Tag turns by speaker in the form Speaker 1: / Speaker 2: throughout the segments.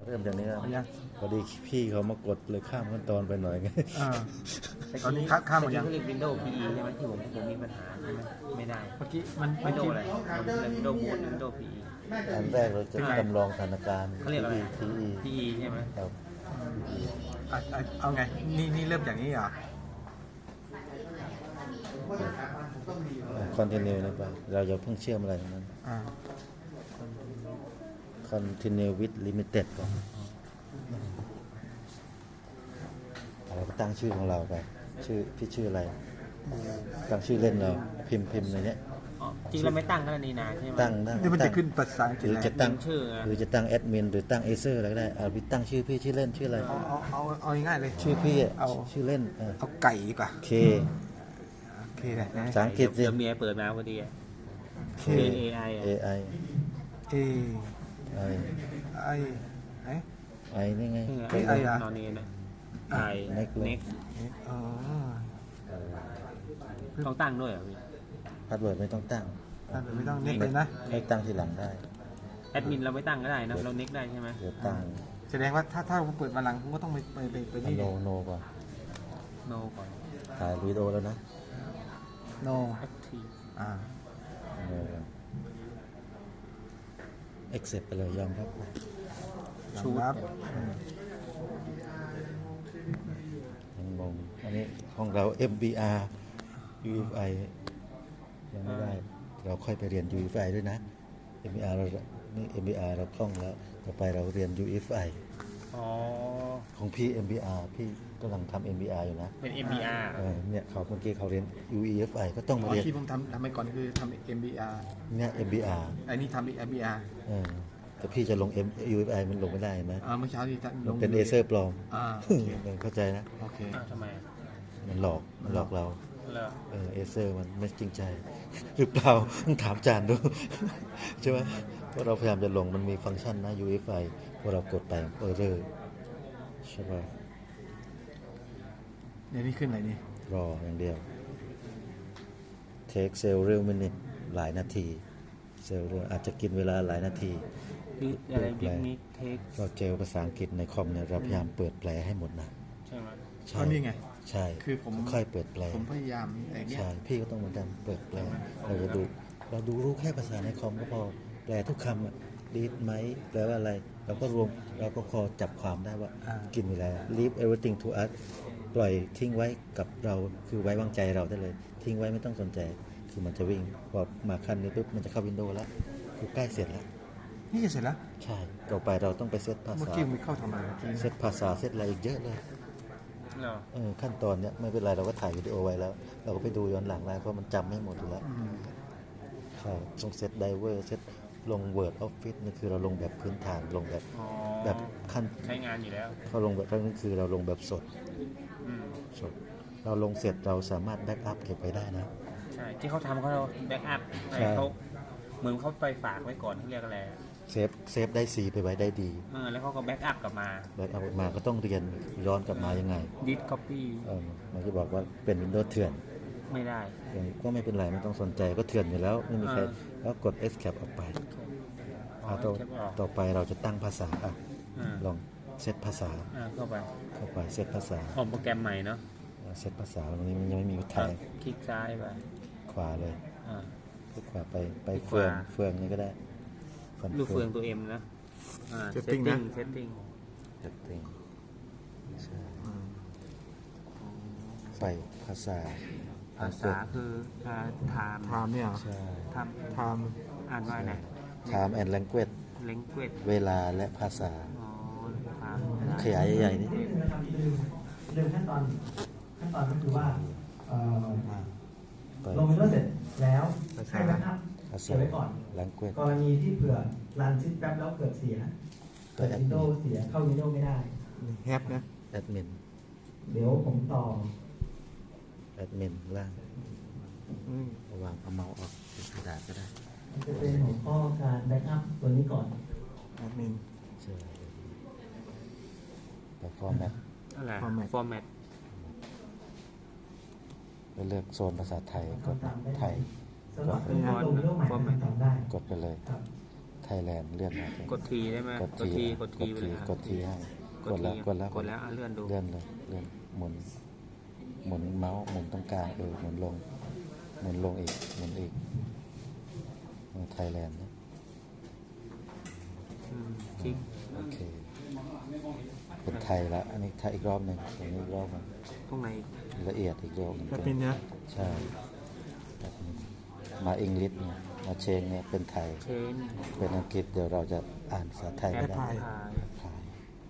Speaker 1: เริ่มจากนี้ครับ
Speaker 2: ยัง
Speaker 1: พอดีพี่เขามากดเลยข้ามขั้นตอนไปหน่อยไง
Speaker 2: ตอนนี้ข้ามหมดยัง
Speaker 3: เรียก Windows PE ใช่ไหมที่ผมมีปัญหาใช่ไหมไม่ได้
Speaker 2: เมื่อกี้มัน
Speaker 3: Windows อะไร Windows Boot Windows PE
Speaker 1: อันแรกเราจะจำลองสถานการณ์
Speaker 3: เขาเรียกอะไร
Speaker 1: PE
Speaker 3: PE ใช่ไหม
Speaker 1: ครับ
Speaker 2: เอาไงนี่เริ่มอย่างนี้เหรอ
Speaker 1: คอนติเนียนะป่ะเราอย่าเพิ่งเชื่อมอะไรทั้งนั้น continue with limited ก่อนเราก็ตั้งชื่อของเราไปชื่อพี่ชื่ออะไรตั้งชื่อเล่นเราพิมพ์ในเนี้ย
Speaker 3: อ๋อจริงเราไม่ตั้งก็ได้นี่นาใช่ไหม
Speaker 1: ตั้ง
Speaker 2: นี่มันจะขึ้นภาษาอังก
Speaker 1: ห
Speaker 2: ฤษ
Speaker 1: รือ
Speaker 2: แล้ว
Speaker 1: จะตั้ง
Speaker 3: ชื่อ
Speaker 1: หรือจะตั้งแอดมินหรือตั้งเอเซอร์อะไรก็ได้เอาพี่ตั้งชื่อพี่ชื่อเล่นชื่ออะไร
Speaker 2: เอาง่ายๆเลย
Speaker 1: ชื่อพี่อะ
Speaker 2: เอา
Speaker 1: ชื่อเล่น
Speaker 2: เอาไก่ดีกว่า
Speaker 1: เค
Speaker 2: โอเคเลยนะ
Speaker 1: ภาษาอังกฤษสิ
Speaker 3: เดี๋ยวเมียเปิดมาพอดีอะ
Speaker 1: K
Speaker 3: AI
Speaker 1: AI
Speaker 2: A
Speaker 1: I
Speaker 2: I ไอ้
Speaker 1: I นี่ไง
Speaker 2: ไอ้อะ
Speaker 3: นอนนี่นะไอ
Speaker 1: Next เลย
Speaker 3: เน็ก
Speaker 2: อ๋อ
Speaker 3: ต้องตั้งด้วยเหรอพี่
Speaker 1: พาสเวิร์ดไม่ต้องตั้ง
Speaker 2: ไม่ต้องเน็กเลยนะ
Speaker 1: ให้ตั้งทีหลังได้
Speaker 3: แอดมินเราไม่ตั้งก็ได้นะเราเน็กได้ใช่ไหม
Speaker 1: เดี๋ยวตั้ง
Speaker 2: แสดงว่าถ้าผมเปิดมาหลังผมก็ต้องไปนี่
Speaker 1: โนก่อน
Speaker 3: โนก่อน
Speaker 1: ถ่ายวิดีโอแล้วนะ
Speaker 2: โน
Speaker 3: Active
Speaker 2: อ่า
Speaker 1: โนก่อน accept ไปเลยยอมรับ
Speaker 2: ชูครับ
Speaker 1: ยังงงอันนี้ของเรา MBR UEFI ยังไม่ได้ เราค่อยไปเรียน UEFI ด้วยนะ MBR เรานี่ MBR เราคล่องแล้วต่อไปเราเรียน UEFI
Speaker 3: อ๋อ
Speaker 1: ของพี่ MBR พี่กำลังทำ MBR อยู่นะ
Speaker 3: เป็น MBR
Speaker 1: เนี่ยเขาเมื่อกี้เขาเรียน UEFI ก็ต้องมาเรียน
Speaker 2: ที่ผมทำไปก่อนคือทำ MBR
Speaker 1: เนี่ย MBR
Speaker 2: ไอ้นี่ทำ MBR
Speaker 1: แต่พี่จะลง UEFI มันลงไม่ได้ไหม
Speaker 2: เมื่อเช้าที่ลง
Speaker 1: เป็นเอเซอร์ปลอม
Speaker 2: โอเค
Speaker 1: เข้าใจนะ
Speaker 2: โอเค
Speaker 3: ทำไม
Speaker 1: มันหลอกเรา
Speaker 3: เหรอ
Speaker 1: เอเซอร์มันไม่จริงใจ หรือเปล่าต้องถามจานดู ใช่ไหมเพราะเราพยายามจะลงมันมีฟังก์ชันนะ UEFI พอเรากดไปเรอใช่ป่ะ
Speaker 2: เดี๋ยวนี้ขึ้นอะไรนี่
Speaker 1: รออย่างเดียว take several minutes หลายนาที several อาจจะกินเวลาหลายนาที
Speaker 3: อะไรบิ๊กนิกเทค
Speaker 1: เราเจอภาษาอังกฤษในคอมเนี่ยเราพยายามเปิดแปลให้หมดนะ
Speaker 3: ใช่ไหม
Speaker 1: ใช่
Speaker 2: ก็นี่ไง
Speaker 1: ใช่
Speaker 2: คือผม
Speaker 1: ค่อยเปิดแปล
Speaker 2: ผมพยายามแต่เนี้ย
Speaker 1: ใช่พี่ก็ต้องเหมือนกันเปิดแปลเราจะดูรู้แค่ภาษาในคอมก็พอแปลทุกคำอะดีดไหมแปลว่าอะไรเราก็เราก็พอจับความได้ว่ากินเวลา leave everything to us ปล่อยทิ้งไว้กับเราคือไว้วางใจเราได้เลย ทิ้งไว้ไม่ต้องสนใจคือมันจะวิ่งพอมาขั้นนี้ปุ๊บมันจะเข้าวินโดว์แล้วคือใกล้เสร็จแล้ว
Speaker 2: นี่จะเสร็จแล้ว
Speaker 1: ใช่ต่อไปเราต้องไปเซตภา
Speaker 2: เมื่อ
Speaker 1: ษา
Speaker 2: กี้มันเข้าทำอะไรเมื่อกี้
Speaker 1: เซตภาษาเซตอะไรอีกเยอะเลย
Speaker 3: เหรอ
Speaker 1: ขั้นตอนเนี้ยไม่เป็นไรเราก็ถ่ายวิดีโอไว้แล้ว เราก็ไปดูย้อนหลังได้เพราะมันจำไม่หมดอยู่แล้วใช่ต้องเซตไดเวอร์เซตลง Word Office นี่คือเราลงแบบพื้นฐานลงแบบ
Speaker 3: อ๋อ
Speaker 1: แบบขั้น
Speaker 3: ใช้งานอยู่แล้ว
Speaker 1: เขาลงแบบนั่นคือเราลงแบบสด
Speaker 3: อืม
Speaker 1: เราลงเสร็จเราสามารถแบ็กอัพเก็บไว้ได้นะ
Speaker 3: ใช่ที่เขาทำเขาแบ็กอัพ
Speaker 1: ใช่
Speaker 3: เขาเหมือนเขาไปฝากไว้ก่อนเขาเรียกอะไร
Speaker 1: เซฟได้ซีไปไว้ได้ดี
Speaker 3: แล้วเขาก็แบ็กอัพกลับมา
Speaker 1: แบ็กอัพมาก็ต้องเรียนย้อนกลับมายังไง
Speaker 3: ดิสคัพปี้
Speaker 1: มันจะบอกว่าเป็น Windows เถื่อน
Speaker 3: ไม่ได้
Speaker 1: ก็ไม่เป็นไรไม่ต้องสนใจก็เถื่อนอยู่แล้วไม่มีใครแล้วกด Escape ออกไป
Speaker 3: อ๋อ
Speaker 1: ต่อไปเราจะตั้งภาษาอ่ะ
Speaker 3: อ่า
Speaker 1: ลองเซตภาษา
Speaker 3: เข้าไป
Speaker 1: เซตภาษา
Speaker 3: ออกโปรแกรมใหม่เนาะ
Speaker 1: เซตภาษาตรงนี้มันยังไม่มีแทง
Speaker 3: คลิกซ้ายไป
Speaker 1: ขวาเลย
Speaker 3: อ่า
Speaker 1: คลิกขวาไป
Speaker 3: คลิก
Speaker 1: เฟือง
Speaker 3: ขวา
Speaker 1: เฟืองนี่ก็ได้
Speaker 3: ลูกเฟืองตัวเอ็มนะเซตติ้งเซตติ้ง
Speaker 1: เซตติ้งใช่ไปภาษา
Speaker 3: ภาษาคือไทม์
Speaker 2: ไทม์เนี่ย
Speaker 1: ใช่
Speaker 3: ไทม์
Speaker 2: ไทม์
Speaker 3: อ่านว่าไหน
Speaker 1: Time and Language
Speaker 3: เลงเกวด
Speaker 1: เวลาและภาษา
Speaker 3: อ๋อไทม์
Speaker 1: ขยายใหญ่ๆนี่
Speaker 4: เรื่องขั้นตอนก็คือว่า
Speaker 1: ไป
Speaker 4: ลงวินโดว์เสร็จแล้วให้แบ็กอัพ
Speaker 1: ภา
Speaker 4: เก็
Speaker 1: ษา
Speaker 4: บไว้ก่อน
Speaker 1: Language
Speaker 4: กรณีที่เผื่อรันซิสแป๊บแล้วเกิดเสียเกิดวินโดว์เสียเข้าวินโดว์ไม่ได้
Speaker 2: แฮปนะ
Speaker 1: แอดมิน
Speaker 4: เดี๋ยวผมต่อ
Speaker 1: แอดมินล่างระวางเอาเมาส์ออกเป็นกระดาษก็ได้
Speaker 4: มันจะเป็นหัวข้อการแบ็กอัพตัวนี้ก่อน
Speaker 2: แอดมิน
Speaker 1: ใช่แต่ฟอร์แมต
Speaker 3: อะไร
Speaker 2: Format
Speaker 3: ฟอร์แมต
Speaker 1: แล้วเลือกโซนภาษาไทยกด
Speaker 4: ทำตามได้
Speaker 1: ไทย
Speaker 4: สำหรับการลงวินโดว์ใหม่ทำได้
Speaker 1: กดไปเลย
Speaker 4: ครับ
Speaker 1: ไทยแลนด์เลื่อนมาก
Speaker 3: ดทีได้ไหม
Speaker 1: กดที
Speaker 3: กดทีไปเลย
Speaker 1: กดทีให้กดแล้วกดแล้ว
Speaker 3: กดแล้วเลื่อนดู
Speaker 1: เลื่อนเลยเลื่อนหมุนเมาส์หมุนตรงกลางหมุนลงอีกหมุนอีกไทยแลนด์นะ
Speaker 3: คลิก
Speaker 1: โอเคเป็นไทยละอันนี้ไทยอีกรอบหนึ่งอันนี้อีกรอบหนึ่ง
Speaker 3: ตรงไหน
Speaker 1: ละเอียดอีกรอบหนึ่ง
Speaker 2: แบบนี้นะ
Speaker 1: ใช่แบบนี้มาอังกฤษเนี่ยมาเชงเนี่ยเป็นไทย
Speaker 3: เชน
Speaker 1: เป็นอังกฤษเดี๋ยวเราจะอ่านภาษาไทย
Speaker 3: แอ
Speaker 1: ไม่
Speaker 3: ด
Speaker 1: ได้
Speaker 3: พาย
Speaker 1: พาย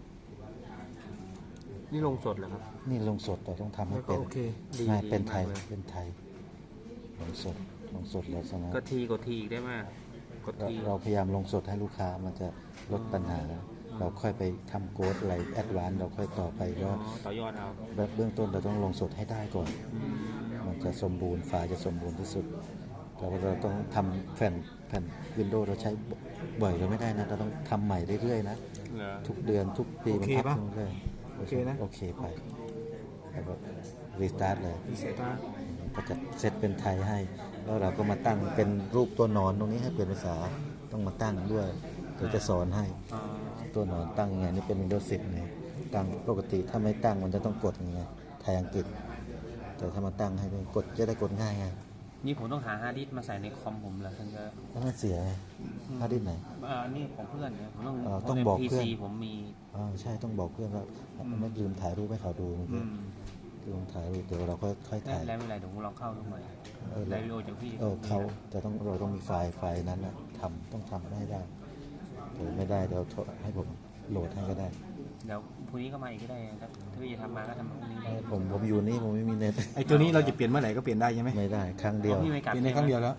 Speaker 3: นี่ลงสดเหรอครับ
Speaker 1: นี่ลงสดเราต้องทำให้
Speaker 2: แล้วก็
Speaker 1: เป็น
Speaker 2: โอเค
Speaker 3: ดี
Speaker 1: ไม่
Speaker 3: ดี
Speaker 1: เป็นไทย
Speaker 3: มากเลย
Speaker 1: เป็นไทยลงสดแล้วใช่ไหม
Speaker 3: กดทีอีกได้ไหมกดที
Speaker 1: เราพยายามลงสดให้ลูกค้ามันจะลดปัญหา เราค่อยไปทำโค้ดอะไรแอดวานซ์เราค่อยต่อไป
Speaker 3: อ๋
Speaker 1: ก็
Speaker 3: อต่อยอดเอา
Speaker 1: แบบเบื้องต้นเราต้องลงสดให้ได้ก่อน มันจะสมบูรณ์ไฟล์จะสมบูรณ์ที่สุดเราต้องทำแผ่นวินโดว์เราใช้บ่อยเราไม่ได้นะเราต้องทำใหม่เรื่อยๆนะ
Speaker 3: เหรอ
Speaker 1: ทุกเดือนทุกปีมัน
Speaker 2: โอเค
Speaker 1: พั
Speaker 2: ปะ
Speaker 1: ฒนาเรื่อย
Speaker 2: โอเคนะ
Speaker 1: โอเคไปแล้วก็รีสตาร์ทเลย
Speaker 2: เสียตา
Speaker 1: ก็จะเซตเป็นไทยให้ แล้วเราก็มาตั้งเป็นรูปตัวหนอนตรงนี้ให้เปลี่ยนภาษาต้องมาตั้งด้วยเดี๋ยวจะสอนให้
Speaker 3: อ๋อ
Speaker 1: ตัวหนอนตั้งยังไงนี่เป็น Windows 10ไงตั้งปกติถ้าไม่ตั้งมันจะต้องกดยังไงไทยอังกฤษ แต่ถ้ามาตั้งให้เป็นกดจะได้กดง่ายไง
Speaker 3: นี่ผมต้องหาฮาร์ดดิสก์มาใส่ในคอมผมเหรอถึงจะ
Speaker 1: แล้วมันเสียไงฮาร์ดดิสก์ไหน
Speaker 3: นี่ของเพื่อนเนี่ยผมต้อง
Speaker 1: ต้องบอก
Speaker 3: พี
Speaker 1: เพื่อน
Speaker 3: ซีผมมี
Speaker 1: ใช่ต้องบอกเพื่อนว่าไม่ลืมถ่ายรูปให้เขาดูเมื่อ
Speaker 3: อื
Speaker 1: กี้
Speaker 3: ม
Speaker 1: ลืมถ่ายรูปเดี๋ยวเราค่อยถ่าย
Speaker 3: แล้วไม่เป็นไรเดี๋ยวผมลองเข้าดูใหม่
Speaker 1: เออ
Speaker 3: ไดวิโอจากพี่
Speaker 1: แต่เราต้องมีไฟล์นั้นนะต้องทำให้ได้เดี๋ยวไม่ได้เดี๋ยวให้ผมโหลดให้ก็ได้
Speaker 3: เดี๋ยวพรุ่งนี้ก็มาอีกก็ได้ครับถ้าพี่จะทำมาก็ทำพรุ่งนี้ได้
Speaker 1: ผมอยู่นี่ผมไม่มีเน็ต
Speaker 2: ไอ้ตัวนี้เราจะเปลี่ยนเมื่อไหร่ก็เปลี่ยนได้ใช่ไหม
Speaker 1: ไม่ได้ครั้งเดียว
Speaker 3: พี่ไม่กลับ
Speaker 2: เปลี่ยนได้ครั้งเดียวแล้ว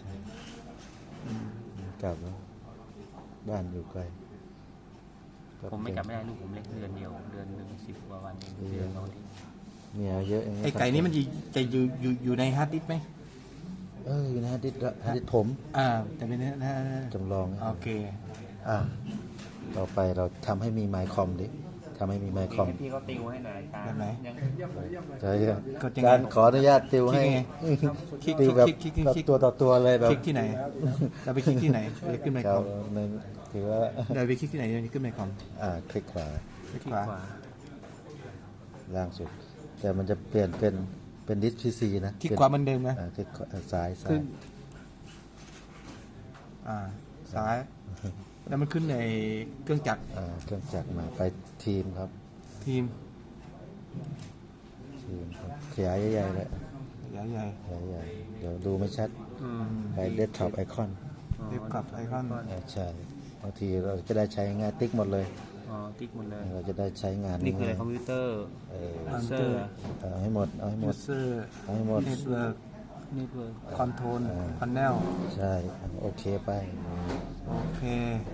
Speaker 1: กลับแล้วบ้านอยู่ไกล
Speaker 3: ผมไม่กลับไม่ได้ลูกผมเล็กเดือนเดียวเดือนหนึ่ง10 กว่าวันเองเดือนเราที่
Speaker 1: เมียเยอะย่าง
Speaker 2: ไอ้ไก่นี้มันจะอยู่ในฮาร์ดดิสก์ไหม
Speaker 1: อยู่นะฮะดิษผม
Speaker 2: แต่เป็นนะ
Speaker 1: จำลองนะ
Speaker 2: โอเค
Speaker 1: ต่อไปเราทำให้มีไมค์คอมดิทำให้มีไมค์คอม
Speaker 3: ให้พี่ก็ติวให้หน่อยตา
Speaker 2: แบบไหน
Speaker 3: ยัง
Speaker 1: ใช่ครับ
Speaker 2: กดยังไง
Speaker 1: การขออนุญาตติวให้
Speaker 2: คลิก
Speaker 1: ติวแบบ
Speaker 2: คลิก
Speaker 1: ตัวต่อตัวเลยแบบ
Speaker 2: คลิกที่ไหนเราไปคลิกที่ไหนจะขึ้นไมค์
Speaker 1: ค
Speaker 2: ครับ อม
Speaker 1: ในถือว่า
Speaker 2: เราไปคลิกที่ไหนจะขึ้นไมค์คอม
Speaker 1: คลิกขวา
Speaker 2: คลิก
Speaker 3: ที่
Speaker 2: ขวา
Speaker 3: ขวา
Speaker 1: ล่างสุด แต่มันจะเปลี่ยนเป็นดิสพีซีนะ
Speaker 2: คลิกขวาเหมือนเดิมนะ
Speaker 1: คลิกซ้าย
Speaker 2: ขึ้นซ้าย แล้วมันขึ้นในเครื่องจักร
Speaker 1: เครื่องจักรมาไปทีมครับ
Speaker 2: ทีม
Speaker 1: ทีมครับขยายใหญ่ๆเลย
Speaker 2: ใหญ่
Speaker 1: ขยายใหญ่เดี๋ยวดูไม่ชัด
Speaker 3: อืม
Speaker 1: ไปเดสก์ท็อปไอคอน
Speaker 2: เรียบกับไอคอน
Speaker 1: ใช่บางทีเราจะได้ใช้งานติ๊กหมดเลย
Speaker 3: อ๋อติ๊กหมดเลย
Speaker 1: เราจะได้ใช้งาน
Speaker 3: นี่คืออะไร
Speaker 1: ง่าย
Speaker 3: คอมพิวเตอร์
Speaker 2: คอมพิว
Speaker 3: เซ
Speaker 2: เต
Speaker 3: อ
Speaker 2: อร์
Speaker 3: ร์
Speaker 1: เอาให้หมดเอาให้หม
Speaker 2: ยู
Speaker 1: ด
Speaker 2: เซอร์
Speaker 1: เอาให้หมด
Speaker 2: เน็ตเวิร์ก
Speaker 3: เน็ตเวิร์ก
Speaker 2: คอนโทรลพาเนล
Speaker 1: ใช่โอเคไป
Speaker 2: โอเค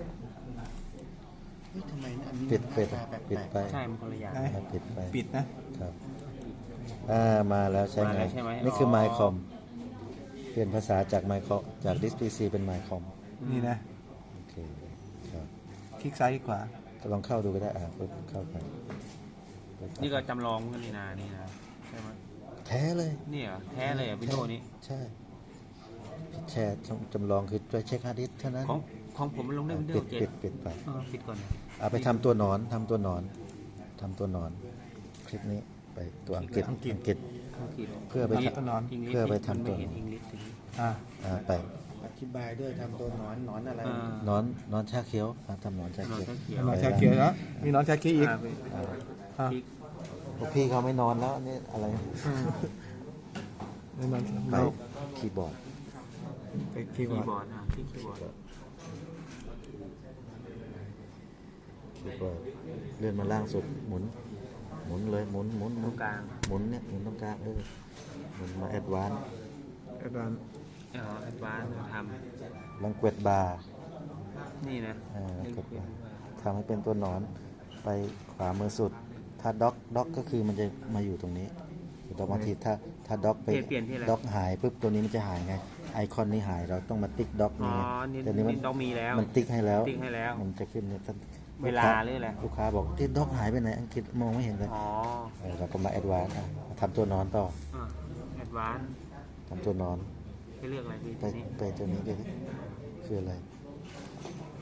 Speaker 1: ปิดไป
Speaker 3: ใช่มันคนละอย่าง
Speaker 2: ได้
Speaker 1: ปิดไป
Speaker 2: ปิดนะครับ
Speaker 1: มาแล้วใช่
Speaker 3: มา
Speaker 1: ไง
Speaker 3: แล้วใช่ไหม
Speaker 1: นี่คือ
Speaker 3: อ๋อ
Speaker 1: ไมค์คอมเปลี่ยนภาษาจากไมค์คอมจากดิสพีซีเป็นไมค์คอม
Speaker 2: นี่นะ
Speaker 1: โอเคครับ
Speaker 2: คลิกซ้ายคลิกขวา
Speaker 1: ก็ลองเข้าดูก็ได้ปึ๊บเข้าไป
Speaker 3: นี่ก็จำลองกันนี่นะใช่ไหม
Speaker 1: แท้เลย
Speaker 3: นี่เหรอแท้เลยเหรอวิดีโอนี้
Speaker 1: ใช่แชร์จำลองคือช่วยเช็คฮาร์ดดิสก์เท่านั้น
Speaker 3: ของผมมันลงได้วิดี
Speaker 1: ปิ
Speaker 3: โอ
Speaker 1: ด
Speaker 3: 7
Speaker 1: ปิดไป
Speaker 3: ปิดก่อน
Speaker 1: เอาไปทำตัวหนอนทำตัวหนอนคลิปนี้ไปตัวอังกฤษ
Speaker 3: อังกฤษ
Speaker 1: เพื่อไป
Speaker 2: ทำตัวหนอน
Speaker 1: เพื่อไปทำตัว
Speaker 3: ไม่เห็นอังกฤษ
Speaker 1: ไป
Speaker 4: อธิบายด้วยทำตัวหนอนอะไร
Speaker 1: หนอนชาเขียวทำหนอนชาเขียว
Speaker 2: หนอนชาเขียวนะมีหนอนชาเขียวอีก
Speaker 1: พวกพี่เขาไม่นอนแล้วนี่อะไร
Speaker 2: มีหนอน
Speaker 1: ไปคีย์บอร์ด
Speaker 2: ไปคี
Speaker 3: คี
Speaker 2: ย์บอร์ด
Speaker 3: ย์บอร์ดที่คีย์บอร์ด
Speaker 1: เลื่อนมาล่างสุดหมุนเลยหมุน
Speaker 3: ตรงกลาง
Speaker 1: หมุนเนี่ยหมุนตรงกลางหมุนมาแอดวานซ์
Speaker 2: อาจารย์
Speaker 3: แอดวานซ์ท
Speaker 1: ลังเกตบาร์
Speaker 3: ำนี่นะ
Speaker 1: ทำให้เป็นตัวหนอนไปขวามือสุด ถ้าด็อกก็คือมันจะมาอยู่ตรงนี้แต่บางทีถ้าด็อกไป
Speaker 3: เปลี่ยนที่อะไร
Speaker 1: ด็อกหายปุ๊บตัวนี้มันจะหายไงไอคอนนี้หายเราต้องมาติ๊กด็อก
Speaker 3: อ๋อ
Speaker 1: นี่
Speaker 3: นี่
Speaker 1: แต่นี้มัน
Speaker 3: ต้องมีแล้ว
Speaker 1: มันติ๊กให้แล้ว
Speaker 3: ติ๊กให้แล้ว
Speaker 1: มันจะขึ้นเนี่ย
Speaker 3: เวลาหรืออะไร
Speaker 1: ลูกค้าบอกที่ด็อกหายไปไหนอังกฤษมองไม่เห็นเลย
Speaker 3: อ๋อ
Speaker 1: เราก็มาแอดวานซ์ทำตัวนอนต่อ
Speaker 3: แอดวานซ์
Speaker 1: ทำตัวนอน
Speaker 3: ให้เลือกอะไรพี่
Speaker 1: ไป
Speaker 3: ตัวนี้
Speaker 1: ตัวนี้ก็คืออะไร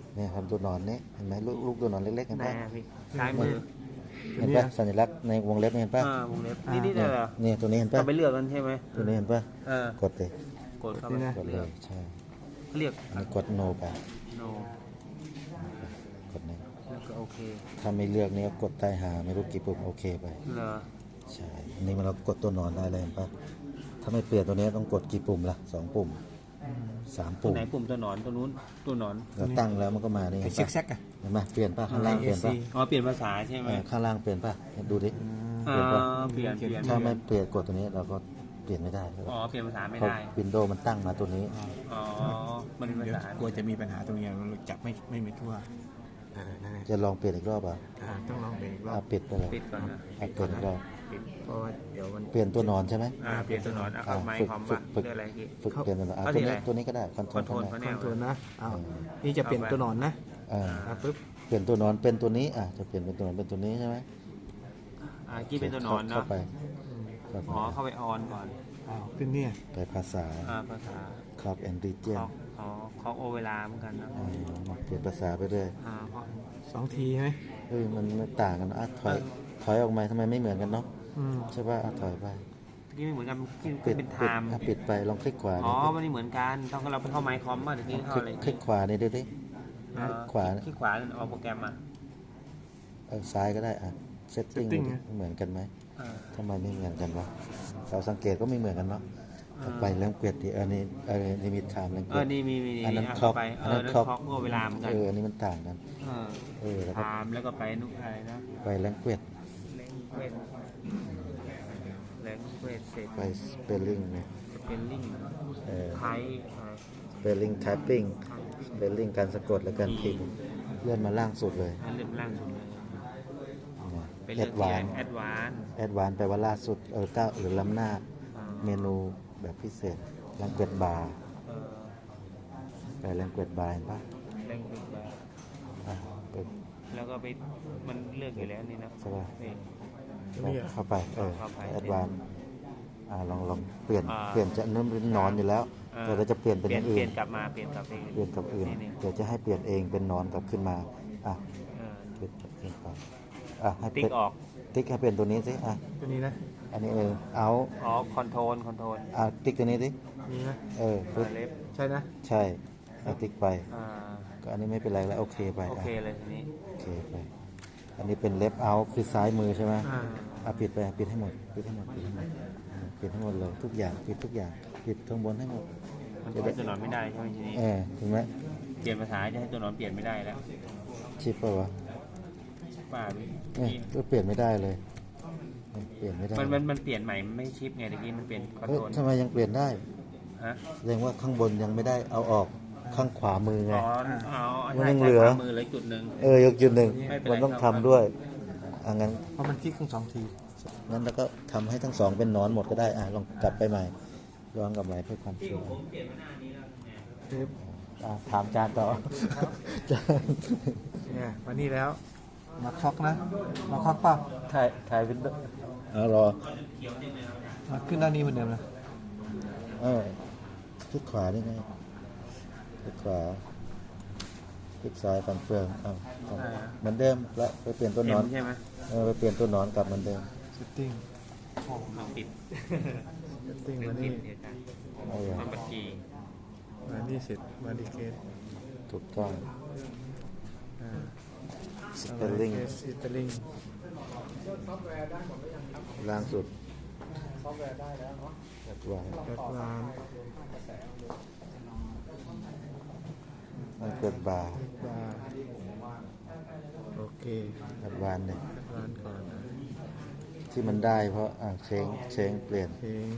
Speaker 1: เนี่ยทำตัวนอนนี่เห็นไหมลูกตัวนอนเล็กๆเห็น
Speaker 3: ไหน
Speaker 1: ปะ
Speaker 3: อะพี่ซ้ายมือ
Speaker 1: เห็นปะสัญลักษณ์ในวงเล็บนี่เห็นปะ
Speaker 3: วงเล็บนี่เหรอ
Speaker 1: เนี่ยตัวนี้เห็นปะ
Speaker 3: เราไปเลือกกันใช่ไหม
Speaker 1: ตัวนี้เห็นปะ กดเลย
Speaker 3: กดเข้าไป
Speaker 1: กดเลยใช่
Speaker 3: เลือก
Speaker 1: อันนี้กด no ไป
Speaker 3: โน
Speaker 1: กดนี้
Speaker 3: แล้วก็โอเค
Speaker 1: ถ้าไม่เลือกนี่ก็กดใต้หาไม่รู้กี่ปุ่มโอเคไป
Speaker 3: เหรอ
Speaker 1: ใช่อันนี้มันเรากดตัวนอนได้เลยเห็นปะถ้าไม่เปลี่ยนตัวนี้ต้องกดกี่ปุ่มล่ะ2 ปุ่ม 3
Speaker 3: ตัว
Speaker 1: ปุ่ม
Speaker 3: ไหนปุ่มตัวหนอนตัวนู้นตัวหนอน
Speaker 1: เราตั้งแล้วมันก็มานี่
Speaker 2: ไอ
Speaker 1: เห็น
Speaker 2: ซิก
Speaker 1: ปะ
Speaker 2: แซกอะ
Speaker 1: เห็นปะเปลี่ยนปะข้างล่างเปลี่ยนปะ
Speaker 3: อ๋อเปลี่ยนภาษาใช่ไหม
Speaker 1: ข้างล่างเปลี่ยนปะดูดิ
Speaker 3: อ่า
Speaker 1: เปลี่ยนปะ
Speaker 3: เปลี่ยนเปลี่ยน
Speaker 1: ถ้าไม่เปลี่ยนกดตัวนี้เราก็เปลี่ยนไม่ได้
Speaker 3: อ๋อเปลี่ยนภาษาไม่
Speaker 1: เพราะ
Speaker 3: ได้
Speaker 1: วินโดว์มันตั้งมาตัวนี้
Speaker 3: อ๋อมันเป็นภา
Speaker 2: เดี๋ยว
Speaker 3: ษาก
Speaker 2: ลัวจะมีปัญหาตรงนี้เราจับไม่มีทั่วนั่นแหละ
Speaker 1: จะลองเปลี่ยนอีกรอบอ่ะ
Speaker 2: ต้องลองเบรกอีกรอ
Speaker 1: อ่ะ
Speaker 2: บ
Speaker 1: ปิดไปเลย
Speaker 3: ปิดก่อนนะ
Speaker 1: อ่ะเปลี่ยนอีกรอบ
Speaker 3: ปิด
Speaker 2: เพราะว่าเดี๋ยวมัน
Speaker 1: เปลี่ยนตัวนอนใช่ไหม
Speaker 3: เปลี่ยนตัวหนอนเอาไม้คอมว่าเรื่องอะไรพี่
Speaker 1: ฝึกเปลี่ยนตัวนอนอ่ะ
Speaker 3: เอา
Speaker 1: ตัว
Speaker 3: ที่
Speaker 1: นี้
Speaker 3: ไหน
Speaker 1: ตัวนี้ก็ได้คอนโทร
Speaker 3: คอนโทรล
Speaker 1: ล
Speaker 3: เขา
Speaker 2: ค
Speaker 3: แน
Speaker 2: อน
Speaker 3: ว
Speaker 2: โทรลนะอ้าวนี่จะเปลี่ยนตัวหนอนนะ
Speaker 1: อ่า
Speaker 2: ปุ๊บ
Speaker 1: เปลี่ยนตัวนอนเป็นตัวนี้อ่ะจะเปลี่ยนเป็นตัวนอนเป็นตัวนี้ใช่ไหม
Speaker 3: กี้เป็นตัวหนอนเนาะ
Speaker 1: เข้าไปเข้าไป
Speaker 3: อ๋อเข้าไปออนก่อน
Speaker 2: อ้าวขึ้นเนี่ย
Speaker 1: ไปภาษา
Speaker 3: ภาษา
Speaker 1: clock and
Speaker 3: เค
Speaker 1: region
Speaker 3: าะอ๋อเคาะโอเวลาเหมือนกันนะ
Speaker 1: เปลี่ยนภาษาไปเรื่อย
Speaker 3: เพราะ
Speaker 2: 2 ทีใช่ไหม
Speaker 1: เฮ้ยมันไม่ต่างกันอ่ะถอยออกมาทำไมไม่เหมือนกันเนาะ
Speaker 2: อืม
Speaker 1: ใช่ป่ะอ่ะถอยไป
Speaker 3: กี้ไม่เหมือนกันกี้
Speaker 1: ปิด
Speaker 3: เป็นไท
Speaker 1: ปิด
Speaker 3: ม์
Speaker 1: อ่ะปิดไปลองคลิกขวา
Speaker 3: อ๋อ
Speaker 1: ดิ
Speaker 3: มันไม่เหมือนกันต้องเราไปเข้าไมค์คอมมาเดี๋ยวนี้เข้าอะไร
Speaker 1: คลิกขวานี่ดูดิ ขวา
Speaker 3: คลิกขวาเอาโปรแกรมมา
Speaker 1: ซ้ายก็ได้อ่ะ setting เหมือนกันไหม
Speaker 3: อ่า
Speaker 1: ทำไมไม่เหมือนกันวะเราสังเกตก็ไม่เหมือนกันเนาะไปเรื่องเกวียดดิอันนี้ลิมิตไทม์เรื่องเกวียด
Speaker 3: นี่มี
Speaker 1: อันนั้น
Speaker 3: เอา
Speaker 1: คล็อก
Speaker 3: ไป
Speaker 1: อันนั้น
Speaker 3: นั่น
Speaker 1: คล็อก
Speaker 3: เคาะโอเวลาเหมือนกัน
Speaker 1: อันนี้มันต่างกันแล้ว
Speaker 3: ไท
Speaker 1: ก็
Speaker 3: ม์แล้วก็ไปนุกอะไรนะ
Speaker 1: ไปเรื่องเกวียด
Speaker 3: แรงเวทเสร็จ
Speaker 1: ไป spelling เนี่ย
Speaker 3: เป็นลิง ไทย
Speaker 1: spelling typing spelling การสะกดและการพิมพ์เลื่อนมาล่างสุดเลย
Speaker 3: อันเริ่มล่างสุดเลยเป็น
Speaker 1: แอ
Speaker 3: เรื่อง
Speaker 1: ด
Speaker 3: ที่
Speaker 1: วาน
Speaker 3: แอดวาน
Speaker 1: แอดวานแปลว่าล่าสุดก้าวหรือล้ำหน้าเมนูแบบพิเศษแรงเกวียดบาร์ไปแรงเกวียดบาร์เห็นปะ
Speaker 3: แรงเวทบาร์
Speaker 1: อ่ะเปิด
Speaker 3: แล้วก็ไปมันเลือกอยู่แล้วนี่นะ
Speaker 1: ใช่ปะ
Speaker 3: นี่
Speaker 1: เข้าไป
Speaker 3: เข้าไป
Speaker 1: แอดวานลองเปลี่ยน
Speaker 3: อ่า
Speaker 1: เปลี่ยนจะเริ่มนอนอยู่แล้วแต่เราจะเปลี่ยนเป็นอย่าง
Speaker 3: เป
Speaker 1: อื่
Speaker 3: ลี่ย
Speaker 1: น
Speaker 3: นกลับมาเปลี่ยนกลับไป
Speaker 1: เปลี่ยนกับอื่น
Speaker 3: นี่
Speaker 1: เดี๋ยวจะให้เปลี่ยนเองเป็นนอนกลับขึ้นมาอ่ะ
Speaker 3: เออ
Speaker 1: เปลี่ยนไปให้
Speaker 3: ติ๊กออก
Speaker 1: ติ๊กให้เปลี่ยนตัวนี้สิ
Speaker 2: ตัวนี้นะ
Speaker 1: อันนี้เอา
Speaker 3: อ๋อคอนโทรล
Speaker 1: ติ๊กตัวนี้สิ
Speaker 2: นี่นะ
Speaker 1: ปึ๊บ
Speaker 3: เล็บ
Speaker 2: ใช่นะ
Speaker 1: ใช่ติ๊กไป
Speaker 3: อ่า
Speaker 1: ก็อันนี้ไม่เป็นไรแล้วโอเคไป
Speaker 3: โอเคเลยทีนี้
Speaker 1: โอเคไปอันนี้เป็นเล็บเอาคือซ้ายมือใช่ไหม ปิดไปปิดให้หมดปิดให้หมดปิดให้หมดปิดให้หมดเลยทุกอย่างปิดทุกอย่างปิดข้างบนให้หมด
Speaker 3: มันจะให้ตัวหนอนไม่ได้ใช่ไหมทีนี้
Speaker 1: ถูกไหม
Speaker 3: เปลี่ยนภาษาจะให้ตัวหนอนเปลี่ยนไม่ได้แล้ว
Speaker 1: ชิปเปล่าวะ
Speaker 3: ป้าพี่
Speaker 1: ก็เปลี่ยนไม่ได้เลยเปลี่ยนไม่ได้
Speaker 3: มันเปลี่ยนใหม่มันไม่ชิปไงตะกี้มันเป็นคอนโทรล
Speaker 1: ทำไมยังเปลี่ยนได้
Speaker 3: ฮะ
Speaker 1: แสดงว่าข้างบนยังไม่ได้เอาออกข้างขวามือไง
Speaker 3: อ๋อ
Speaker 1: มัน
Speaker 3: ใช่
Speaker 1: ยัง
Speaker 3: ใช่
Speaker 1: เหลือ
Speaker 3: ขวามือเลยจุดหนึ่ง
Speaker 1: ยกจุดหนึ่ง
Speaker 3: ไม่เป็นไร
Speaker 1: มันต้อง
Speaker 3: ครั
Speaker 1: ทำ
Speaker 3: บ
Speaker 1: ด้วยงั้น
Speaker 2: เพราะมันคลิกทั้ง2 ที
Speaker 1: งั้นแล้วก็ทำให้ทั้งสองเป็นนอนหมดก็ได้ลองกลับไปใหม่ย้อนกลับไปเพื่อความชัวร์
Speaker 3: เปลี่ยนไม่นานนี้แล้วเนี่ย
Speaker 2: ปึ๊บ
Speaker 1: ถามจานต่อจาน
Speaker 2: เนี่ยมานี่แล้ว มาคล็อกนะ มาคล็อกเปล่า
Speaker 1: ถ่ายเป็นรอ
Speaker 2: มาขึ้นด้านนี้เหมือนเดิมนะ
Speaker 1: คลิกขวาได้ไงคลิกขวาคลิกซ้ายฟันเฟืองเหมือนเดิมแล้วไปเปลี่ยนตัวนอน
Speaker 3: ใช่ไหม
Speaker 1: ไปเปลี่ยนตัวนอนกลับเหมือนเดิม
Speaker 2: setting
Speaker 3: มันปิด
Speaker 2: setting
Speaker 3: เรื่
Speaker 2: มา
Speaker 3: องปิ
Speaker 2: นี่
Speaker 3: ดเดียวกัน
Speaker 1: เอาอย่าง
Speaker 3: มันบัญชี
Speaker 2: มานี่เสร็จมาดีเคส
Speaker 1: ถูกต้อง
Speaker 2: ส
Speaker 1: spelling
Speaker 2: สเปลลิ่ง
Speaker 1: ล่างสุดซอฟต์แวร์ได้แล้วเนาะวาง
Speaker 2: แอดวาน
Speaker 1: มันเกิดบาร์
Speaker 2: บาร์โอเค
Speaker 1: แอดวานเนี่ย
Speaker 2: แอดวานก่อนนะ
Speaker 1: ที่มันได้เพราะเชงเปลี่ยน
Speaker 2: เพลง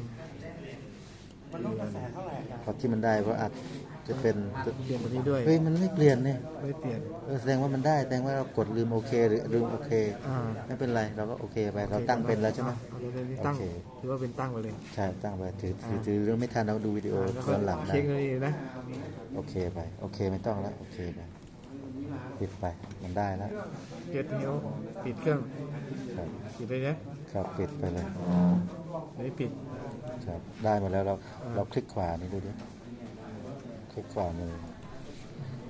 Speaker 1: เพราะที่มันได้เพราะอาจจะเป็น
Speaker 2: เปลี่ยนตัวนี้ด้วย
Speaker 1: เฮ้ยมันไม่เปลี่ยนเนี่ย
Speaker 2: ไม่เปลี่ยน
Speaker 1: แสดงว่ามันได้แสดงว่าเรากดลืมโอเคหรือลืมโอเค ไม่เป็นไรเราก็โอเคไปเราตั้งเป็นแล้วใช่ไหม
Speaker 2: เราเป็นตั้ง
Speaker 1: โอเค
Speaker 2: ถือว่าเป็นตั้งไปเลย
Speaker 1: ใช่ตั้งไปถือเรื่องไม่ทันเราดูวิดีโอ
Speaker 2: แล้วก็
Speaker 1: ย้อนหลังได้
Speaker 2: เช็คเลยนะ
Speaker 1: โอเคไปโอเคไม่ต้องแล้วโอเคไปปิดไปมันได้แล้ว
Speaker 2: เก็ตนิ้วปิดเครื่อง
Speaker 1: ครับ
Speaker 2: ปิดเลยนะครับ
Speaker 1: ปิดไปเลย
Speaker 2: ไม่ปิด
Speaker 1: ครับได้หมดแล้วเราคลิกขวานี่ดูดิคลิกขวามือ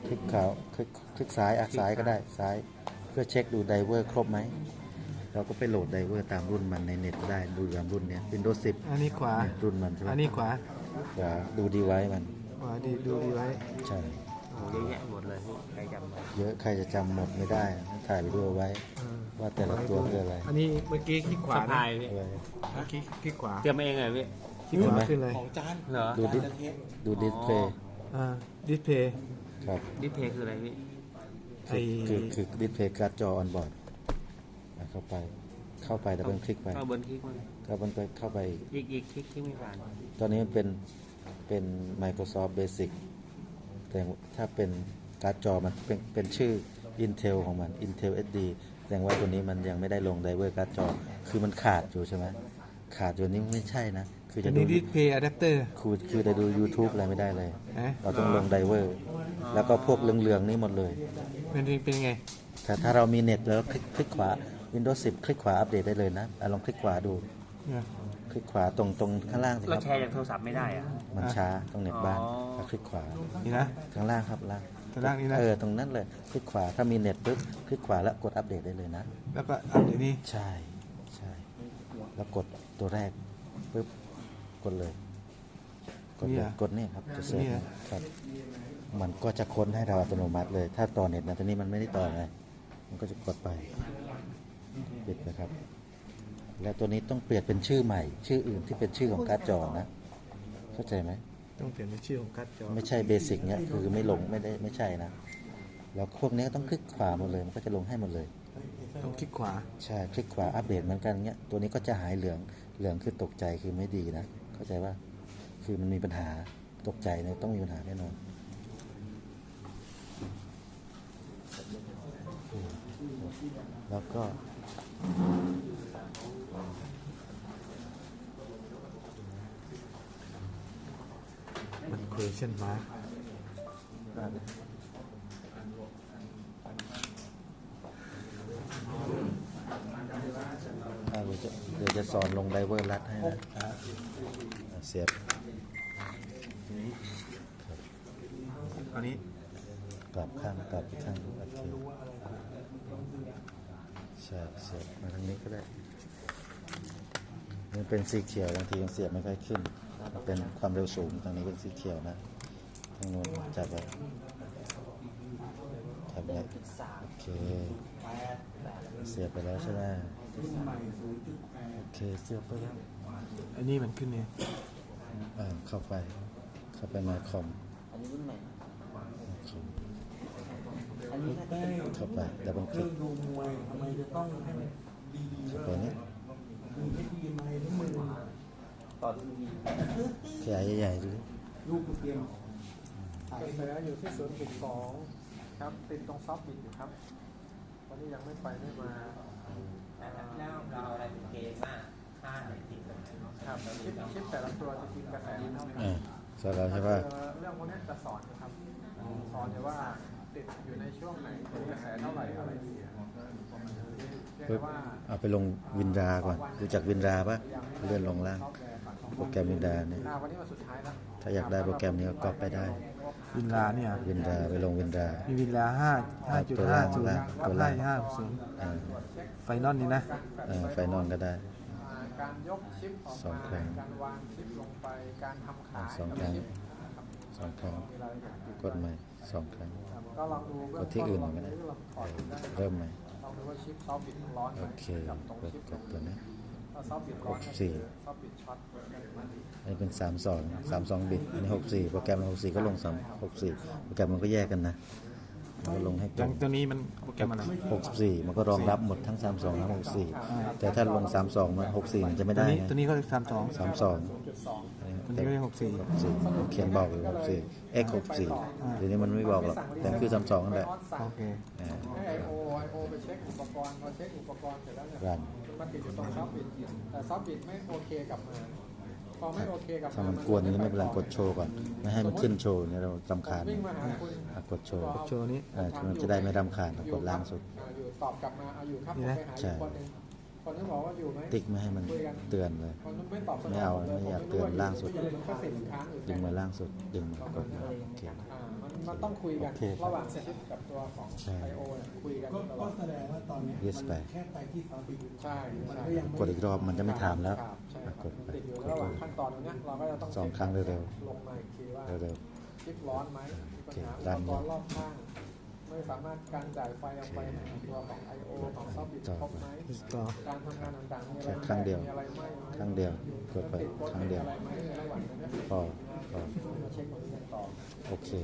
Speaker 1: คลิกขาวคลิกซ้ายซ้ายก็ได้ซ้ายเพื่อเช็คดูไดเวอร์ครบไหมเราก็ไปโหลดไดเวอร์ตามรุ่นมันในเน็ตได้ดูตามรุ่นเนี้ย Windows 10
Speaker 2: อันนี้ขวา
Speaker 1: เนี่ยรุ่นมันใช่ไหม
Speaker 2: อันนี้ขวา
Speaker 1: ขวาดูดีไว้มัน
Speaker 2: ขวาดีดูดีไว้
Speaker 1: ใช่
Speaker 3: โอ้โหเยอะแยะหมดเลยพี่ใครจำมา
Speaker 1: เยอะใครจะจำหมดไม่ได้ถ่ายไปด้วยไว้ ว่าแต่ละตัวคืออะไร
Speaker 2: อันนี้เมื่อกี้คลิกขวา
Speaker 3: สะ
Speaker 2: นะ
Speaker 3: พายพี่
Speaker 1: อะไร
Speaker 2: เมื่อกี้คลิกขวา
Speaker 3: เตรียมมาเองเลยพี่
Speaker 2: คลิกขวาขึ้นเลย
Speaker 5: ของจาน
Speaker 3: เหรอ
Speaker 1: ดูดิดูดิสเพย์
Speaker 2: ดิสเพย์
Speaker 1: ครับ
Speaker 3: ดิสเพย์คืออะไรพี่
Speaker 2: ไอ้
Speaker 1: คือดิสเพย์การ์ดจอออนบอร์ดเข้าไปแต่เป็นคลิกไป
Speaker 3: ก็บนคลิกมัน
Speaker 1: ก็มันไปเข้าไป
Speaker 3: อีกคลิกที่ไม่ผ่าน
Speaker 1: ตอนนี้มันเป็น Microsoft Basic แต่ถ้าเป็นการ์ดจอมันเป็นชื่อ Intel ของมัน Intel SD แสดงว่าตัวนี้มันยังไม่ได้ลงไดเวอร์การ์ดจอคือมันขาดอยู่ใช่ไหมขาดอยู่นี่ไม่ใช่นะคือ
Speaker 2: อั
Speaker 1: จะ
Speaker 2: น
Speaker 1: ดู
Speaker 2: นี้ดิสเพย์อะแดปเตอร์
Speaker 1: คือจะดู YouTube อะไรไม่ได้เลย
Speaker 2: นะ
Speaker 1: เราต้องลงไดเวอร์ แล้วก็พวกเหลืองๆนี่หมดเลย
Speaker 2: เป็นไง
Speaker 1: แต่ถ้าเรามีเน็ตแล้วคลิกขวา Windows 10 คลิกขวาอัปเดตได้เลยนะลองคลิกขวาดู
Speaker 2: เนี่ย
Speaker 1: คลิกขวาตรงข้างล่างสิค
Speaker 3: เรา
Speaker 1: รับ
Speaker 3: แชร์จากโทรศัพท์ไม่ได้อะ
Speaker 1: มันช้าตรงเน็ตบ้าน
Speaker 3: อ๋อ
Speaker 1: แล้วคลิกขวา
Speaker 2: นี่นะ
Speaker 1: ข้างล่างครับล่าง
Speaker 2: ข้างล่างนี่นะ
Speaker 1: ตรงนั้นเลยคลิกขวาถ้ามีเน็ตปุ๊บคลิกขวาแล้วกดอัปเดตได้เลยนะ
Speaker 2: แล้วก็อันนี้
Speaker 1: ใช่แล้วกดตัวแรกปุ๊บกดเลยกดนี่ครับจะเสิร์ชครับมันก็จะค้นให้เราอัตโนมัติเลย ถ้าต่อเน็ตนะตอนนี้มันไม่ได้ต่อไงมันก็จะกดไปปิดนะครับ แล้วตัวนี้ต้องเปลี่ยนเป็นชื่อใหม่ ชื่ออื่นที่เป็นชื่อของการ์ดจอนะเข้าใจไหม
Speaker 2: ต้องเปลี่ยนเป็นชื่อของการ์ดจอ
Speaker 1: ไม่ใช่เบสิกเนี่ยคือไม่ลงไม่ใช่นะแล้วพวกนี้ก็ต้องคลิกขวาหมดเลยมันก็จะลงให้หมดเลย
Speaker 2: ต้องคลิกขวา
Speaker 1: ใช่คลิกขวาอัปเดตเหมือนกันเงี้ยตัวนี้ก็จะหายเหลืองคือตกใจคือไม่ดีนะเข้าใจว่าคือมันมีปัญหาตกใจเนี่ยต้องมีปัญหาแน่นอนแล้วก็
Speaker 2: มัน question mark
Speaker 1: เดี๋ยวจะสอนลงไดเวอร์ลัดให้นะเสียบ
Speaker 2: อันนี้
Speaker 1: กลับข้างกลับอีกข้างโอเคใช่เสียบมาทางนี้ก็ได้มันเป็นสีเขียวบางทียังเสียบไม่ค่อยขึ้นเป็นความเร็วสูงทางนี้เป็นสีเขียวนะทางโน้นจับไว้โอเคเสียบไปแล้วใช่ไหมโอเคเสียบไปแล้ว
Speaker 2: อันนี้มันขึ้นเนี่ย
Speaker 1: เข้าไปมาคอมเข้าไปดับเบิลคลิก
Speaker 5: ดูมวยทำไมจะต้องให้มันดี
Speaker 1: เข้าไปนี้
Speaker 5: ดูให้ดีไหมทุกมือ
Speaker 1: ขยายใหญ่ๆดู
Speaker 5: ลูกเตรียม
Speaker 2: กระแสอยู่ที่ 0.2 ครับติดตรงซอฟต์บิตอยู่ครับวันนี้ยังไม่ไปไม่มา
Speaker 3: แล้วเราเอาอะไรเป็นเกณฑ์ว่าค่าไหนติดกัน
Speaker 2: ครับชิปแต่ละตัวจะกินกระแสเท่ากัน
Speaker 1: สอนเราใช่ป่ะ
Speaker 2: เรื่องพวกนี้จะสอนนะครับสอนเลยว่าติดอยู่ในช่วงไหนเป็นกระแสเท่าไหร่อะไรอย่างเงี้ยเรียก
Speaker 1: ปึ๊บ
Speaker 2: ว่า
Speaker 1: เอาไปลงวินดาก่อนรู้จักวินดาป่ะเลื่อนลงล่างโปรแกรมวินดาเนี่ย
Speaker 2: วันนี้วันสุดท้ายแล้ว
Speaker 1: ถ้าอยากได้โปรแกรมนี้ก็ก๊อปไปได้
Speaker 2: วินลาเนี่ย
Speaker 1: วินดาไปลงวินดา
Speaker 2: มีวินลา5.50
Speaker 1: ตัวล่าง
Speaker 2: 5.50ไฟนอลนี่นะ
Speaker 1: ไฟนอนก็ได้
Speaker 2: การยกชิปออก
Speaker 1: สอง
Speaker 2: มา
Speaker 1: ครั้ง
Speaker 2: การวางชิปลงไปการทำขาย
Speaker 1: สองครั้ง
Speaker 2: ชิป
Speaker 1: สองครั้ง
Speaker 2: มีรายละเอียดอยู่
Speaker 1: กดใหม่2 ครั้ง
Speaker 2: ก็ลองดูเบื้
Speaker 1: ก
Speaker 2: อง
Speaker 1: ดที่อื่นก็ได้
Speaker 2: ลองถอดดูได้
Speaker 1: เริ่มใหม่
Speaker 2: ลองดูว่าชิปซอฟต์บิตร้อนไหม
Speaker 1: โอเค
Speaker 2: กับตรง
Speaker 1: กด
Speaker 2: ชิป
Speaker 1: กดตัวนี้
Speaker 2: ถ้าซอฟต์บิตร้อนก็
Speaker 1: 64
Speaker 2: คือซอฟต์บิตช็อต
Speaker 1: อันนี้เป็น32บิตอันนี้64โปรแกรม64ก็ลง64โปรแกรมมันก็แยกกันนะมันก็ลงให้ตรง
Speaker 2: ตัวนี้มันโปรแกรมอะไร
Speaker 1: 64มันก็รองรับหมดทั้ง32ทั้ง64แต่ถ้าลง32มัน64มันจะไม่ได้ไง
Speaker 2: ตัวนี้ก็32
Speaker 1: 32
Speaker 2: ตัวนี้ก็64
Speaker 1: 64เขียนบอกอยู่64 x 64ทีนี้มันไม่บอกหรอกแต่คือ32นั่นแหละ
Speaker 2: โอเค
Speaker 1: อ่า
Speaker 2: ให้ไอโอไปเช็คอุปกรณ์พอเช็คอุปกรณ์เสร็จแล้วเนี่ย
Speaker 1: รัน
Speaker 2: มันติดอยู่ตรงซอฟต์บิตแต่ซอฟต์บิตไม่โอเคกับมาพอไม่โอเคกับ
Speaker 1: ถ้ามันกวนนี้ไม่เป็นไรกดโชว์ก่อนไม่ให้มันขึ้นโชว์เนี่ยเรารำคาญ
Speaker 2: วิ่งมาหาคุณ
Speaker 1: กดโชว์
Speaker 2: โชว์นี้
Speaker 1: มันจะได้ไม่รำคาญกดล่างสุด
Speaker 2: อยู่ตอบกลับมาเอาอยู่ครับผม
Speaker 1: นี่นะ
Speaker 2: ไปหา
Speaker 1: ใช่
Speaker 2: อีกคนหนึงคนที่บอกว่าอยู่ไหม
Speaker 1: ติ๊กไม่ให้มันเตือนเลย
Speaker 2: คนไม่ตอบสน
Speaker 1: ไม่เอาไม่อยากเตือนล่างสุด
Speaker 2: มันก็สิบค้างอยู่
Speaker 1: ดึงมาล่างสุดดึงมากดมาโอเค
Speaker 2: มันต้องคุยกัน
Speaker 1: โอเคครับ
Speaker 2: ระหว่างชิปกับตัวของ
Speaker 1: ใช่
Speaker 2: IO เนี่ยคุยกัน
Speaker 5: ก็
Speaker 2: ตลอด
Speaker 5: แสดงว่าตอนเนี้ย
Speaker 1: Yes ไป
Speaker 5: มันแค่ไปที่ซาอุดิ
Speaker 2: ใช่
Speaker 5: มัน
Speaker 2: ใช่
Speaker 5: ก็ยังไม่
Speaker 1: กดอีกรอบมันจะไม่ถามแล้ว
Speaker 2: ครับใช่ครับ
Speaker 1: กดไป
Speaker 2: ติดอยู่
Speaker 1: กด
Speaker 2: ระห
Speaker 1: ไป
Speaker 2: ว่างขั้นตอนตรงเนี้ยเราก็จะต้อง
Speaker 1: สองครั้งเร็ว
Speaker 2: ลงมาอีกทีว่า
Speaker 1: เร็ว
Speaker 2: ชิปร้อนไหมมีปัญหาอุปกรณ์รอบข้าง ไม่สามารถการจ่ายไฟออกไปหาตัวของ IO ของซอฟต์บิตครบไหมการทำงานต่างๆมีอะไร
Speaker 1: ครั้งเดียว
Speaker 2: มีอะไรไหม
Speaker 1: ครั้งเดียวกดไปครั้งเดียว
Speaker 2: อะไรไหมในระหว่างนั้น
Speaker 1: พอพอ
Speaker 2: มาเช็คตรงนี้กันต่อ
Speaker 1: โอเค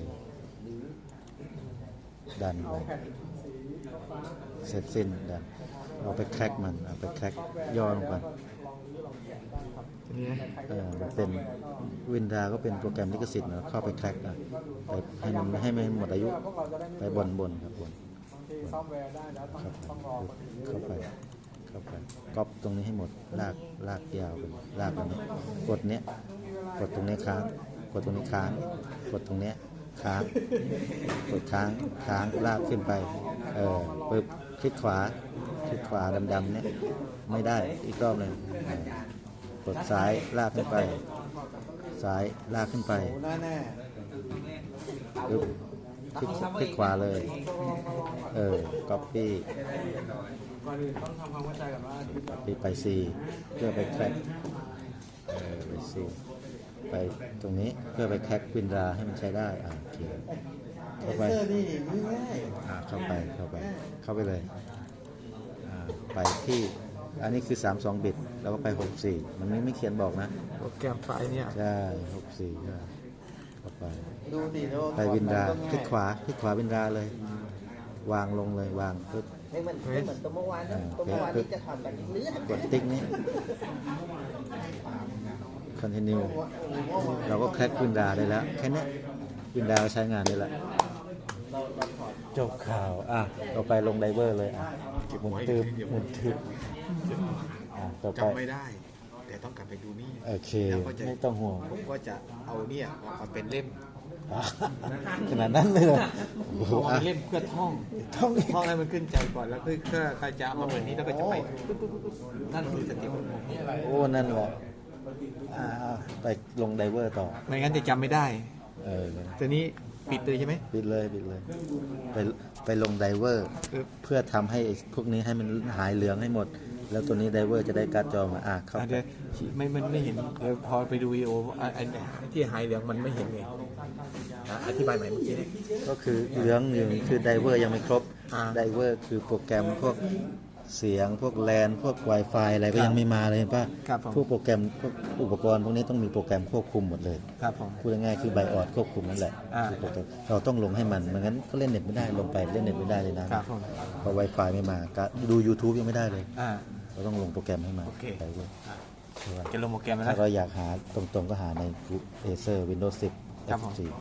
Speaker 1: ดัน
Speaker 2: เอา
Speaker 1: ไป
Speaker 2: แผ่นสีฟ้า
Speaker 1: เสร็จสิ้นดันเอาไปแคร็กมันเอาไปแคร็กย่อลงไป
Speaker 2: ลองรื้อลองแกะได้ครับ
Speaker 1: มันเป็นวินดาก็เป็นโปรแกรมลิขสิทธิ์นะเข้าไปแคร็กนะไปให้มันหมดอายุ
Speaker 2: พวกเราจะได้ไม่
Speaker 1: ไปบนครับบน
Speaker 2: บางทีซอฟต์แวร์ได้แล้วต้องรอมันถึง
Speaker 1: เข้าไปก๊อปตรงนี้ให้หมดลากยาวไปลากตรงนี้กดเนี้ยกดตรงนี้ค้างกดตรงนี้ค้างกดตรงเนี้ยค้างกดค้างลากขึ้นไปปึ๊บคลิกขวาดำๆเนี้ยไม่ได้อีกรอบหนึ่งกดซ้ายลากขึ้นไปซ้ายลากขึ้นไป
Speaker 5: แน่แน่
Speaker 1: ปึ๊บคลิกขวาเลยcopy
Speaker 5: ก่อนอื่นต้องทำความเข้าใจกันว่า
Speaker 1: ไป C เพื่อไปแคร็กไป C ไปตรงนี้เพื่อไปแคร็กวินดาให้มันใช้ได้โอเคเข้าไป
Speaker 5: เซอร์นี่ง่าย
Speaker 1: เข้าไปเลยไปที่อันนี้คือ32บิตแล้วก็ไป64มันไม่เขียนบอกนะ
Speaker 2: โปรแกรมไฟล์เนี่ย
Speaker 1: ใช่64ใช่เข้าไป
Speaker 5: ดูดิแล้ว
Speaker 1: ไปวินดาคลิกขวาวินดาเลย วางลงเลยวางปึ๊บ
Speaker 4: ไม่เหมือนตัวเมื่อวานนะตัวเมื่อวานนี้จะถอดแบบเลือด
Speaker 1: กดติ๊กนี้ continue เราก็แคร็กวินดาได้แล้วแค่นี้วินดาใช้งานได้แล้วจบข่าวต่อไปลงไดเวอร์เลยหมุนตืบต่อไป
Speaker 6: จำไม่ได้ แต่ต้องกลับไปดูนี่
Speaker 1: โอเคไม่ต้องห่วง
Speaker 6: ผมก็จะเอาเนี่ยมาเป็นเล่ม
Speaker 1: ขนาดนั้นเลยเหรอโอ้โห
Speaker 6: เอามาเป็นเล่มเพื่อท่อง
Speaker 1: ท่อง
Speaker 6: ท่องให้มันขึ้นใจก่อนแล้วก็จะเอามาเหมือนนี้แล้วก็จะไปนั่นคือสติของผมเนี่ย
Speaker 1: โอ้นั่นแหละไปลงไดเวอร์ต่อ
Speaker 6: ไม่งั้นจะจำไม่ได้ ตัวนี้ปิดเลยใช่ไหม
Speaker 1: ปิดเลยไปลงไดเวอร์
Speaker 6: ครับ
Speaker 1: เพื่อทำให้พวกนี้ให้มันหายเหลืองให้หมด แล้วตัวนี้ไดเวอร์จะได้การ์ดจอมาเข้าไป
Speaker 6: เดี๋ยวไม่เห็นเดี๋ยวพอไปดูวิดีโออันที่หายเหลืองมันไม่เห็นไงอธิบายใหม่เมื่อกี้เนี่ย
Speaker 1: ก็คือเหลืองหนึ่งคือไดเวอร์ยังไม่ครบ
Speaker 6: อ่า
Speaker 1: ไดเวอร์คือโปรแกรมพวกเสียงพวกแลนพวก Wi-Fi อะไรก็ยังไม่มาเลยเห็นป่ะ
Speaker 6: ครับผม
Speaker 1: พวกโปรแกรมพวกอุปกรณ์พวกนี้ต้องมีโปรแกรมควบคุมหมดเลย
Speaker 6: ครับผม
Speaker 1: พูดง่ายๆคือไบออดควบคุมนั่นแหละ
Speaker 6: อ่า
Speaker 1: คือโปรแกรมเราต้องลงให้มันไม่งั้นก็เล่นเน็ตไม่ได้ลงไปเล่นเน็ตไม่ได้เลยนะครับ
Speaker 6: ผม
Speaker 1: เพราะ Wi-Fi ไม่มาก็ดู YouTube ยังไม่ได้เลย
Speaker 6: อ่า
Speaker 1: เราต้องลงโปรแกรมให้มา
Speaker 6: โอเค
Speaker 1: ไดเวอร์
Speaker 6: จะลงโปรแกรมแล้ว
Speaker 1: ถ้า
Speaker 6: นะ
Speaker 1: เราอยากหาตรงๆก็หาใน Acer Windows 10
Speaker 6: ครับผม
Speaker 1: F4